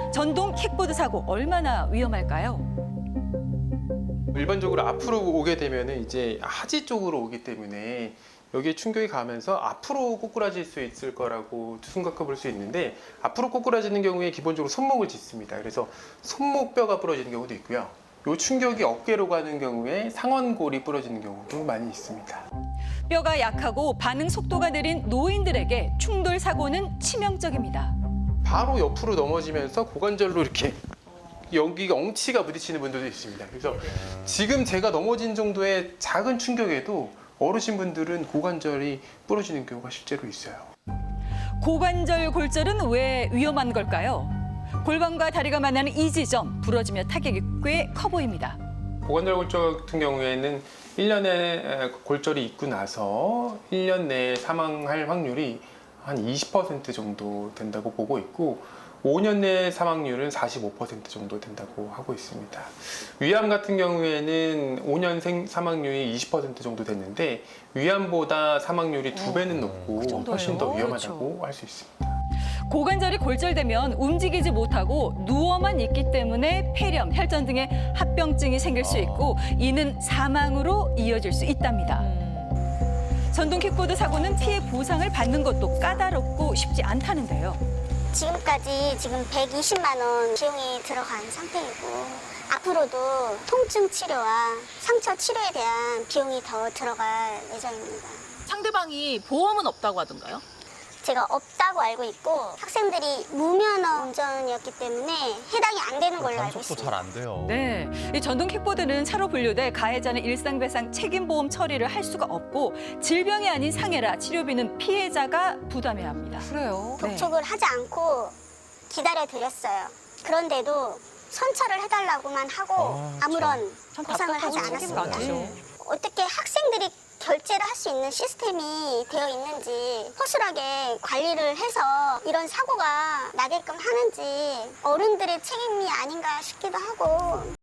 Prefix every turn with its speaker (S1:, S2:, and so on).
S1: 전동 킥보드 사고 얼마나 위험할까요?
S2: 일반적으로 앞으로 오게 되면은 이제 하지 쪽으로 오기 때문에 여기에 충격이 가면서 앞으로 꼬꾸라질 수 있을 거라고 생각해 볼 수 있는데, 앞으로 꼬꾸라지는 경우에 기본적으로 손목을 짚습니다. 그래서 손목뼈가 부러지는 경우도 있고요. 이 충격이 어깨로 가는 경우에 상완골이 부러지는 경우도 많이 있습니다.
S1: 뼈가 약하고 반응 속도가 느린 노인들에게 충돌 사고는 치명적입니다.
S2: 바로 옆으로 넘어지면서 고관절로 이렇게 여기가 엉치가 부딪히는 분들도 있습니다. 그래서 지금 제가 넘어진 정도의 작은 충격에도 어르신분들은 고관절이 부러지는 경우가 실제로 있어요.
S1: 고관절 골절은 왜 위험한 걸까요? 골반과 다리가 만나는 이 지점, 부러지며 타격이 꽤 커 보입니다.
S2: 고관절 골절 같은 경우에는 1년에 골절이 있고 나서 1년 내에 사망할 확률이 한 20% 정도 된다고 보고 있고, 5년 내 사망률은 45% 정도 된다고 하고 있습니다. 위암 같은 경우에는 5년 사망률이 20% 정도 됐는데, 위암보다 사망률이 2배는 높고
S1: 정도예요?
S2: 훨씬 더 위험하다고
S1: 그렇죠.
S2: 할 수 있습니다.
S1: 고관절이 골절되면 움직이지 못하고 누워만 있기 때문에 폐렴, 혈전 등의 합병증이 생길 수 있고 이는 사망으로 이어질 수 있답니다. 전동 킥보드 사고는 피해 보상을 받는 것도 까다롭고 쉽지 않다는데요.
S3: 지금까지 120만 원 비용이 들어간 상태이고, 앞으로도 통증 치료와 상처 치료에 대한 비용이 더 들어갈 예정입니다.
S4: 상대방이 보험은 없다고 하던가요?
S3: 제가 없다고 알고 있고, 학생들이 무면허 운전이었기 때문에 해당이 안 되는 걸로 알고
S5: 단속도
S3: 있습니다.
S5: 잘 안 돼요.
S1: 네, 이 전동 킥보드는 차로 분류돼 가해자는 일상배상 책임보험 처리를 할 수가 없고 질병이 아닌 상해라 치료비는 피해자가 부담해야 합니다.
S6: 그래요?
S3: 접촉을 하지 않고 기다려드렸어요. 그런데도 선처를 해달라고만 하고 아무런 보상을 하지 않았습니다.
S6: 많죠.
S3: 어떻게 학생들이 결제를 할 수 있는 시스템이 되어 있는지, 허술하게 관리를 해서 이런 사고가 나게끔 하는지 어른들의 책임이 아닌가 싶기도 하고.